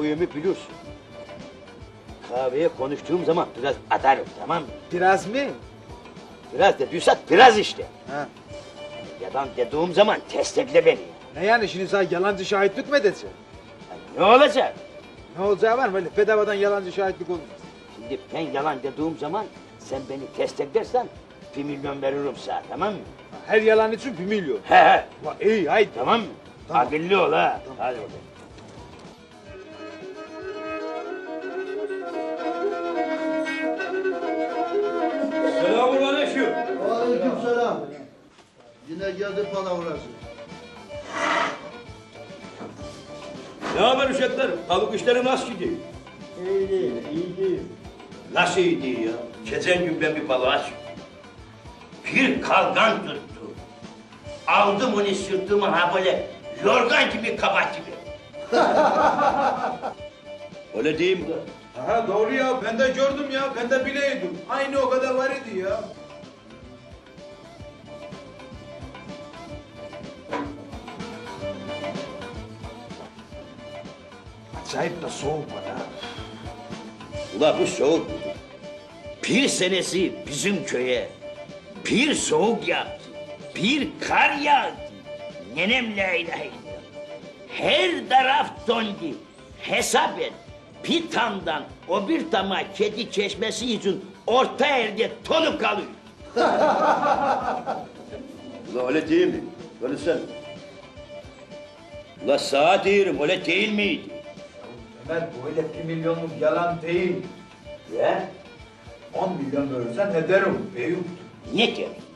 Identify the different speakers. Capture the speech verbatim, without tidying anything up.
Speaker 1: huyumu biliyorsun. Kahveye konuştuğum zaman biraz atarım, tamam mı?
Speaker 2: Biraz mı?
Speaker 1: Biraz dediysak biraz işte.
Speaker 2: Ha.
Speaker 1: Yalan dediğim zaman destekle beni.
Speaker 2: Ne yani şimdi sana yalancı şahitlik mi edeceksin?
Speaker 1: Ya ne olacak?
Speaker 2: Ne olacağı var mı? Öyle bedavadan yalancı şahitlik olmaz.
Speaker 1: Şimdi ben yalan dediğim zaman sen beni desteklersen bir milyon veririm sana, tamam mı?
Speaker 2: Her yalan için bir milyon.
Speaker 1: He he.
Speaker 2: Ulan iyi haydi.
Speaker 1: Tamam mı?
Speaker 2: Tamam.
Speaker 1: Akıllı ol ha. Hadi bakalım. Selamünaleyküm.
Speaker 3: Aleykümselam. Yine geldi palavrası.
Speaker 1: Ne haber uşaklar? Tavuk işleri nasıl gidiyor?
Speaker 3: İyi değil, iyi değil.
Speaker 1: Nasıl iyi değil ya? Geçen gün ben bir balığa çıktım. Bir kalgan tuttu. Aldım onu sırtıma ha böyle yorgan gibi kabak gibi. Öyle değil mi?
Speaker 2: Aha doğru ya ben de gördüm ya ben de bileydim. Aynı o kadar var idi ya. Acayip de soğuk var ha.
Speaker 1: Ula bu soğuk. Bir senesi bizim köye bir soğuk yaptı. Bir kar yağdı. Nenem la ilahe illallah. Her taraf dondu. Hesap et. Bir tamdan o bir tama kedi çeşmesi için orta yerde tonu kalıyor. Ula öyle değil mi? Öyle sen. Ula sağa diyorum öyle değil miydi?
Speaker 2: Ömer bu öyle bir milyonluk yalan değil.
Speaker 1: Ya?
Speaker 2: On milyon verirsen ederim. Büyük.
Speaker 1: Ne diyorsun?